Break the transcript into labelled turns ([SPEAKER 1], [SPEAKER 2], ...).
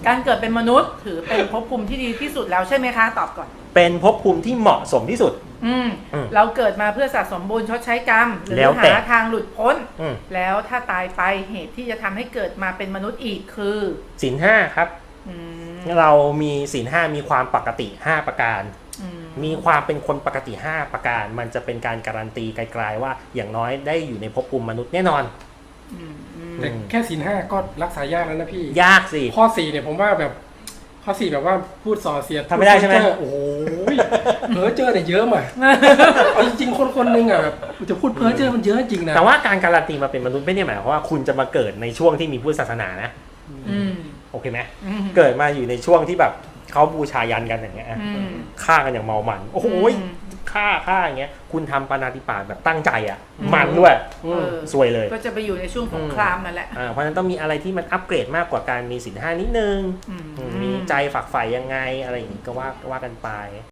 [SPEAKER 1] การเกิดเป็นมนุษย์ถือเป็นภพภูมิที่ดีที่สุดแล้วใช่ไหมคะตอบก่อน
[SPEAKER 2] เป็นภพภูมิที่เหมาะสมที่สุด
[SPEAKER 1] เราเกิดมาเพื่อสะสมบุญชดใช้กรรมหรือหาทางหลุดพ้นแล้วถ้าตายไปเหตุที่จะทำให้เกิดมาเป็นมนุษย์อีกคือ
[SPEAKER 2] ศีล 5ครับเรามีศีล 5มีความปกติ5ประการมีความเป็นคนปกติ5ประการมันจะเป็นการการันตีไกลๆว่าอย่างน้อยได้อยู่ในภพภูมิมนุษย์แน่นอน
[SPEAKER 3] แต่แค่ศีล 5ก็รักษายากแล้วนะพี่
[SPEAKER 2] ยากสิ
[SPEAKER 3] ข้อ4เนี่ยผมว่าแบบข้อ4แบบว่าพูดส่อเสียด
[SPEAKER 2] ทำไม่ได้ใช่ไหม
[SPEAKER 3] โอ้ยเพ้อเจ้อเนี่ยเยอะมากเอาจริงๆคนนึงอ่ะแบบจะพูดเพ้อเจ้อมันเยอะจริงนะ
[SPEAKER 2] แต่ว่าการการันตีมาเป็นมนุษย์ไม่ได้หมายความว่าคุณจะมาเกิดในช่วงที่มีพุทธศาสนานะโอเคไหมเกิดมาอยู่ในช่วงที่แบบเขาบูชายันกันอย่างเงี้ยฆ่ากันอย่างเมามันโอ้โหฆ่าอย่างเงี้ยคุณทำปาณาติบาตแบบตั้งใจอ่ะมันด้วยสวยเลย
[SPEAKER 1] ก็จะไปอยู่ในช่วงสงครามนั่นแหละ
[SPEAKER 2] เพราะฉะนั้นต้องมีอะไรที่มันอัปเกรดมากกว่าการมีศีล 5นิดนึงมีใจฝักใฝ่ยังไงอะไรอย่างงี้ก็ว่ากันไป